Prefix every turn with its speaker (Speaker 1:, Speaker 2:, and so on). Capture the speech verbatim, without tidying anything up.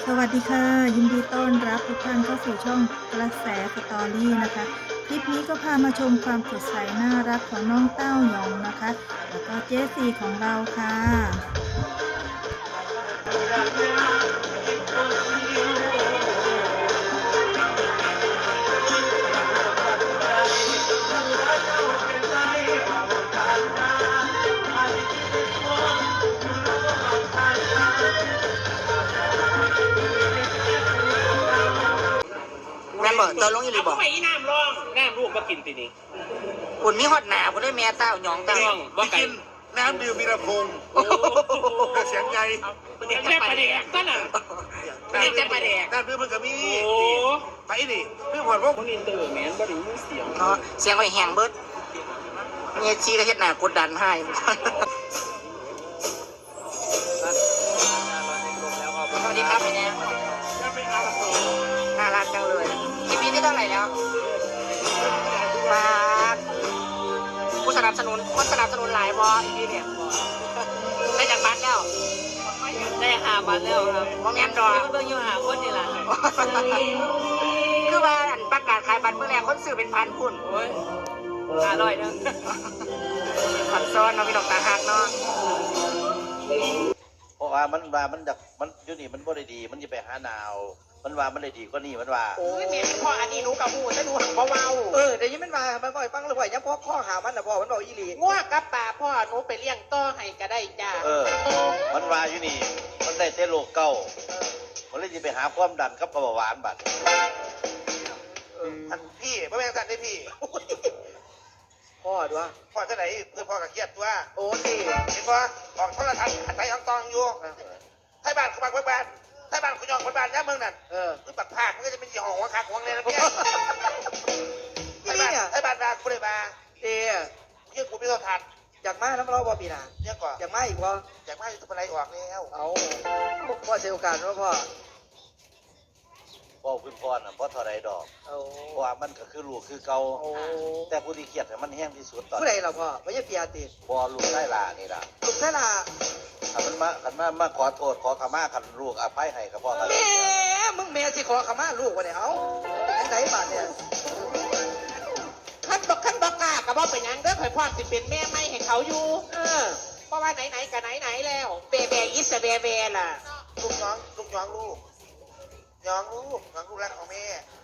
Speaker 1: สวัสดีค่ะยินดีต้อนรับทุกท่านเข้าสู่ช่องกระแสสตอรี่นะคะคลิปนี้ก็พามาชมความสดใสน่ารักของน้องเต้าหยองนะคะแล้วก็เจสซี่ของเราค่ะ
Speaker 2: แม่นบ่เจอลงอยู่หรือบ่
Speaker 3: เอาไปอีน้ำร่องน้ำลูกมากินตีนี้
Speaker 2: คุณมีฮอดหนาคุณได้แม่เต้าหยองเต้า
Speaker 3: ร่องบ่ไก่
Speaker 4: น้ำดื่มวีรพงศ์เสียงไง
Speaker 3: เด็กแม่ประเด็กก็น่ะเด็กแม่ประเด็ก
Speaker 4: น้ำดื่มมันก็มี
Speaker 3: โอ้
Speaker 4: ไปนี่เรื่องผ่อนพวก
Speaker 3: คนอินเตอร์แมนบ่ได้ยินเสียง
Speaker 2: เนาะเสียงไว้แหงเบิดเมียชีก็เฮ็ดหน้ากดดันให้สวัสดีครับพี่แนนน่ารักจังเลยคลิปนี้ที่เท่าไหร่แล้วมาผู้สนับสนุนคนสนับสนุนหลายบออีพีเนี่ยได้จากบัตรแล้วได้หาบัตรแล้วครับโมเมนต์ดอกเบิ่งอยู่หาคนนี่แหละคือว่าอันประกาศขายบัตรเมื่อแรกคนซื้อเป็นพันคุณโอ้ยอร่อยเนาะขัดซ้อนเนาะพี่ดอกตาหักเนาะ
Speaker 5: เพราะว่ามันว่ามันจากมันอยู่นี่มันบ่ได้ดี มันจะไปหาหนาว มันว่ามันได้ดีกว่านี่มันว่า
Speaker 2: โอ้ยแม่พ่ออันนี้หนูกับหูแต่หนูหักเบา
Speaker 6: เออเดี๋ยวนี้มันมามันก็ไอ้ฟังเลยว่ายังพ่อข้อหามันนะพ่อมันบอกอีหลี
Speaker 2: ๆง่วกับป่าพ่อหนูไปเลี้ยงต่อให้ก็ได้จ้า
Speaker 5: เออ มันว่าอยู่นี่ มันได้แต่โรคเก่ามันเลยจะไปหาความดันกับเบาหวานบัด
Speaker 4: อันพี่พ่อแม่สั่นได้พี่
Speaker 6: พ่อด้วย
Speaker 4: พ่อจะไหนเพื่อพ่อกับเครียดตัว
Speaker 6: โอ้สิ
Speaker 4: เห็นว่าออกโทรทัศน์อันไหนอังตองอยู่ไทยบ้านเขาบักไว้บ้านไทยบ้านเขายองคนบ้านย่าเมืองนั่น
Speaker 6: เออ
Speaker 4: คือปักภาคมันก็จะเป็นยี่ห้อหัวขาหัวเลยนะพี่ไท
Speaker 6: อี
Speaker 4: ย
Speaker 6: นี่
Speaker 4: บ้าน
Speaker 6: เนี่ย
Speaker 4: ไทยบ้านนาคุณเลยมา
Speaker 6: เออ
Speaker 4: เยี่ยกูไม่ต้องทัน
Speaker 6: อยากมาน้ำเราบ่ปีหนา
Speaker 4: เนี่ยก่อน
Speaker 6: อยากมาอีกบ่
Speaker 4: อยากมาอยู่ทุกอะไรออกแล้ว
Speaker 6: เอาพ่อเสียโอกาสว่าพ่อ
Speaker 5: พ่อคุณพ่อน่ะพ่อเท่าไรดอก
Speaker 6: เอา
Speaker 5: เพราะว่ามันก็คือลูกคือเก่า
Speaker 6: โอ้
Speaker 5: แต่ผู้ที่เครียดเนี่ยมันแห้งที่สุดตอน
Speaker 6: ผู้ใดล่ะพ่อไม่ใช่เปียติ
Speaker 5: พอลูกได้ลานี่ล่ะ
Speaker 6: ลูกแค่ละ
Speaker 5: คันมันมาคันมามาขอโทษขอขมาคันลูกอภัยให้กับพ่อกัน
Speaker 6: แม่มึงแม่สิขอขมาลูกวะเนี่ยเอาไหนบาดเนี่ย
Speaker 2: ขั้นบอกขั้นบอกกล้ากับว่าเป็นหยังเด้อข่อยพ่อสิเป็นแม่ไม่ให้เขาอยู่
Speaker 6: เออ
Speaker 2: เพราะว่าไหนๆกับไหนๆแล้วเบเบยิสเบเบล่ะ
Speaker 4: ลูกน้องลูกน้องลูกน้องลูกน้องลูกรักของแม่
Speaker 6: อ